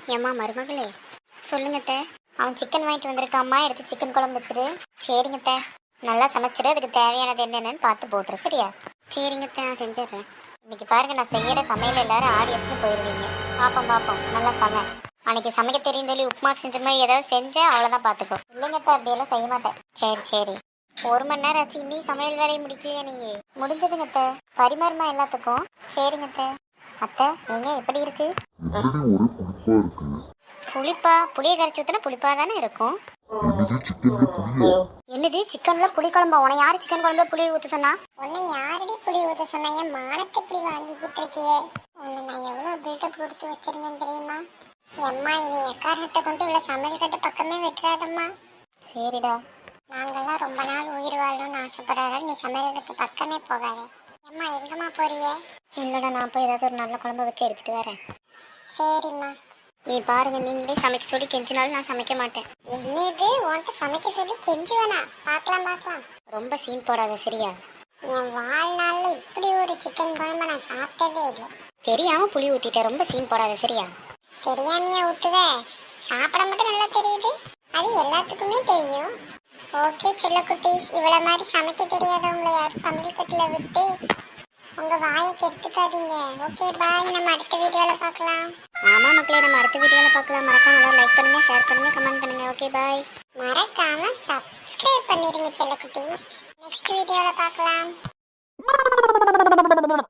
ஏம்மா மருமகளே, சொல்லுங்க அத்தை. அவன் சிக்கன் வாங்கிட்டு வந்திருக்காம்மா, எடுத்து சிக்கன் குழம்பு வச்சிரு. சரிங்க அத்தை. நல்லா சமைச்சிரு, அதுக்கு தேவையானது என்னென்னு பார்த்து போட்டுரு, சரியா? சரிங்க அத்தை, நான் செஞ்சிடுறேன். இன்னைக்கு பாருங்க, நான் செய்யற சமையல் எல்லாரும் ஆடி எடுத்து போயிடுவீங்க. பாப்போம் பாப்போம், நல்லா சமை. அன்னைக்கு சமைக்க தெரியும் சொல்லி உப்புமா செஞ்ச மாதிரி ஏதாவது செஞ்சேன், அவ்வளோதான் பார்த்துக்கோ. இல்லைங்க அத்தை, அப்படியெல்லாம் செய்ய மாட்டேன். சரி சரி. 1 மணி நேரம் ஆச்சு, இன்னும் சமையல் வேலையை முடிக்கலையா நீ? முடிஞ்சதுங்க அத்தை. பரிமாறுமா எல்லாத்துக்கும். சரிங்க அத்தை. அத்தை, நீங்க எப்படி இருக்கு? ஆல்ரெடி ஒரே புளிப்பா இருக்கு. புளிப்பா? புளியை கரைச்சி ஊற்றினா புளிப்பா தானே இருக்கும். என்னது சிக்கன்ல புளியா? என்னது சிக்கன்ல புளி குழம்பா? உன யாரு சிக்கன் குழம்புல புளி ஊற்ற சொன்னா? உன்னை யாரடி புளி ஊத்த சொன்னா? என் மானத்தை இப்படி வாங்கிக்கிட்டு இருக்கியே. உன்னை நான் எவ்வளவு பில்டப் கொடுத்து வச்சிருந்தேன் தெரியுமா? எம்மா, இனி எக்காரணத்தை கொண்டு இவ்வளவு சமையல் கட்டு பக்கமே விட்டுறாதம்மா. சரிடா. நாங்கெல்லாம் ரொம்ப நாள் உயிர் வாழணும்னு ஆசைப்படுறாங்க. நீ சமையல் கட்டு பக்கமே போகாத. எம்மா, எங்கம்மா போறியே? இல்லடா, நான் போய் ஏதாவது ஒரு நல்ல குழம்பு வச்சு எடுத்துட்டு வரேன். சரிம்மா. நீ பாருங்க, நீங்களே சமைக்க சொல்லி கெஞ்சினாலும் நான் சமைக்க மாட்டேன். என்னது உன்கிட்ட சமைக்க சொல்லி கெஞ்சுவேனா? பார்க்கலாம் பார்க்கலாம். ரொம்ப சீன் போடாத, சரியா? என் வாழ்நாளில் இப்படி ஒரு சிக்கன் குழம்பு நான் சாப்பிட்டதே இல்லை. தெரியாம புளி ஊத்திட்டேன், ரொம்ப சீன் போடாத, சரியா? தெரியாமையா ஊத்துவ? சாப்பிட மட்டும் நல்லா தெரியுது, அது எல்லாத்துக்குமே தெரியும். ஓகே செல்லக்குட்டீஸ், இவ்வளவு மாதிரி சமைக்க தெரியாதவங்களை யாரும் சமையல் கட்டில விட்டு உங்க வாயை கெடுத்துக்காதீங்க. ஓகே பாய், நம்ம அடுத்த வீடியோல பார்க்கலாம். ஆமா மக்களே, நம்ம அடுத்த வீடியோல பார்க்கலாம். மறக்காம எல்லாரும் லைக் பண்ணுங்க, ஷேர் பண்ணுங்க, கமெண்ட் பண்ணுங்க. Okay bye. மறக்காம சப்ஸ்கிரைப் பண்ணிடுங்க செல்லக்குட்டீஸ். நெக்ஸ்ட் வீடியோல பார்க்கலாம்.